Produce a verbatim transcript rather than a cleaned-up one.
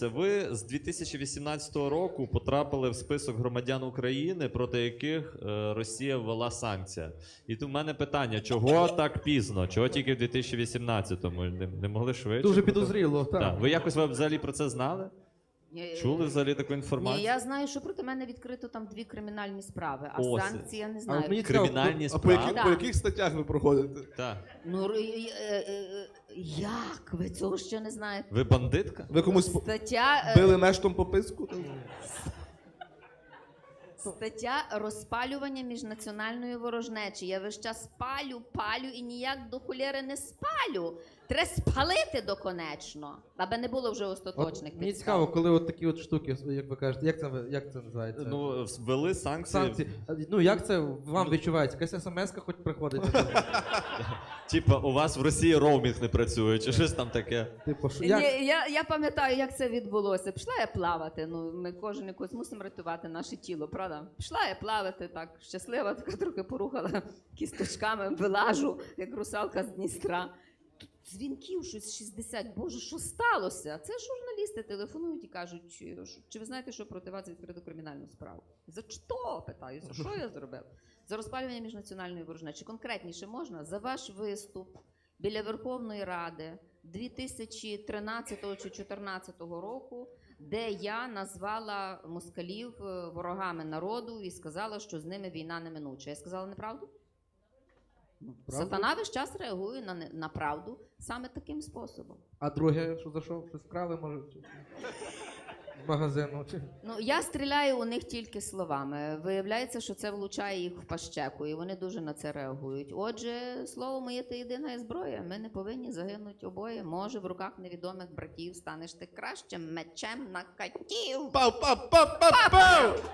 Ви з дві тисячі вісімнадцятого року потрапили в список громадян України, проти яких е, Росія ввела санкції. І тут в мене питання, чого так пізно? Чого тільки в дві тисячі вісімнадцятому? Не, не могли швидше? Дуже підозріло, так. Так. Ви якось ви взагалі про це знали? Ні, Чули взагалі таку інформацію? Ні, я знаю, що проти мене відкрито там дві кримінальні справи, а Ось. санкції я не А знаю. от мені цікаво, Кримінальні А по, справи? які, Да. по яких статтях ви проходите? Так. Ну, р- е, е, е, як? Ви цього ще не знаєте? Ви бандитка? Ви комусь по- Стаття, е, били мештом по писку? стаття розпалювання міжнаціональної ворожнечі. Я весь час палю, палю і ніяк до холєри не спалю. Треба спалити доконечно, аби не було вже остаточних От мені підстав. цікаво, коли от такі от штуки, як ви кажете, як це, як це називається? Ну, ввели санкції. Санкції. Ну, як це вам відчувається? Якась смс-ка хоч приходить? Типа, у вас в Росії роумінг не працює, чи щось там таке? Типу, що, Ні, як? я, я пам'ятаю, як це відбулося. Пішла я плавати. Ну, ми кожен якось мусимо рятувати наше тіло, правда? Пішла я плавати так, щаслива, така трохи порухала кісточками, вилажу, як русалка з Дністра. Тут дзвінків щось шістдесят. Боже, що сталося? Це журналісти телефонують і кажуть, чи, чи ви знаєте, що проти вас відкрито кримінальну справу? За що? Питаюся, що я зробив? За розпалювання міжнаціональної ворожнечі. Конкретніше можна? За ваш виступ біля Верховної Ради дві тисячі тринадцятого чи чотирнадцятого року, де я назвала москалів е, ворогами народу і сказала, що з ними війна неминуча. Я сказала неправду? Правда? Сатана весь час реагує на, не- на правду саме таким способом. А друге, що за що? Щось вкрали, може? Чи- З магазину? Чи... Ну, я стріляю у них тільки словами. Виявляється, що це влучає їх в пащеку, і вони дуже на це реагують. Отже, слово моє – це єдина зброя. Ми не повинні загинути обоє. Може, в руках невідомих братів станеш ти кращим мечем на катів. Пау-пау-пау-пау-пау!